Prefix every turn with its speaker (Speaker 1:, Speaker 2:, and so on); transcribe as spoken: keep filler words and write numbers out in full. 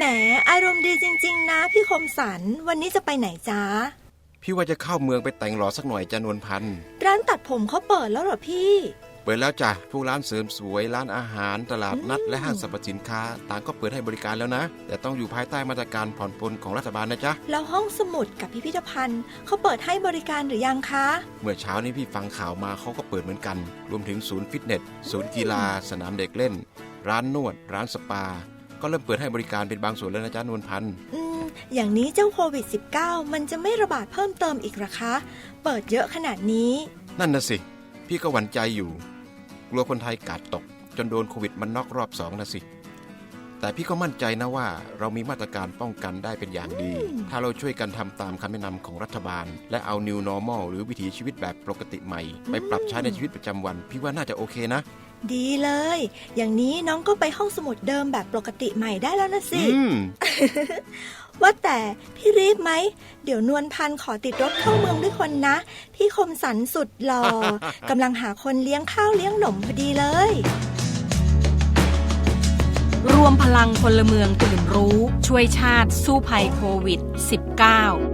Speaker 1: มอารมณ์ดีจริงๆนะพี่คมสันวันนี้จะไปไหนจ๊ะ
Speaker 2: พี่ว่าจะเข้าเมืองไปแต่งหล่อสักหน่อยจ้ะนวลพันธุ์
Speaker 1: ร้านตัดผมเขาเปิดแล้วเหรอพี่
Speaker 2: เปิดแล้วจ้ะพวกร้านเสริมสวยร้านอาหารตลาดนัดและห้างสรรพสินค้าต่างก็เปิดให้บริการแล้วนะแต่ต้องอยู่ภายใต้มาตรการผ่อนปลนของรัฐบาลนะจ๊ะ
Speaker 1: แล้วห้องสมุดกับพิพิธภัณฑ์เขาเปิดให้บริการหรือยังคะ
Speaker 2: เมื่อเช้านี้พี่ฟังข่าวมาเขาก็เปิดเหมือนกันรวมถึงศูนย์ฟิตเนสศูนย์กีฬาสนามเด็กเล่นร้านนวดร้านสปาก็เริ่มเปิดให้บริการเป็นบางส่วนแล้วนะจ๊ะนวลพันธุ์
Speaker 1: อืมอย่างนี้เจ้าโควิด สิบเก้า มันจะไม่ระบาดเพิ่มเติมอีกหรอคะเปิดเยอะขนาดนี้
Speaker 2: นั่นน่ะสิพี่ก็หวั่นใจอยู่กลัวคนไทยกาดตกจนโดนโควิดมันน็อกรอบสองนะสิแต่พี่ก็มั่นใจนะว่าเรามีมาตรการป้องกันได้เป็นอย่างดีถ้าเราช่วยกันทำตามคำแนะนำของรัฐบาลและเอา New Normal หรือวิถีชีวิตแบบปกติใหม่ไปปรับใช้ในชีวิตประจำวันพี่ว่าน่าจะโอเคนะ
Speaker 1: ดีเลยอย่างนี้น้องก็ไปห้องสมุดเดิมแบบปกติใหม่ได้แล้วนะสิ ว่าแต่พี่รีบไหมเดี๋ยวนวลพันธุ์ขอติดรถเข้าเมืองด้วยคนนะพี่คมสันสุดหล่อ กำลังหาคนเลี้ยงข้าวเลี้ยงหนมพอดีเลย
Speaker 3: รวมพลังพลเมืองตื่นรู้ช่วยชาติสู้ภัยโควิด สิบเก้า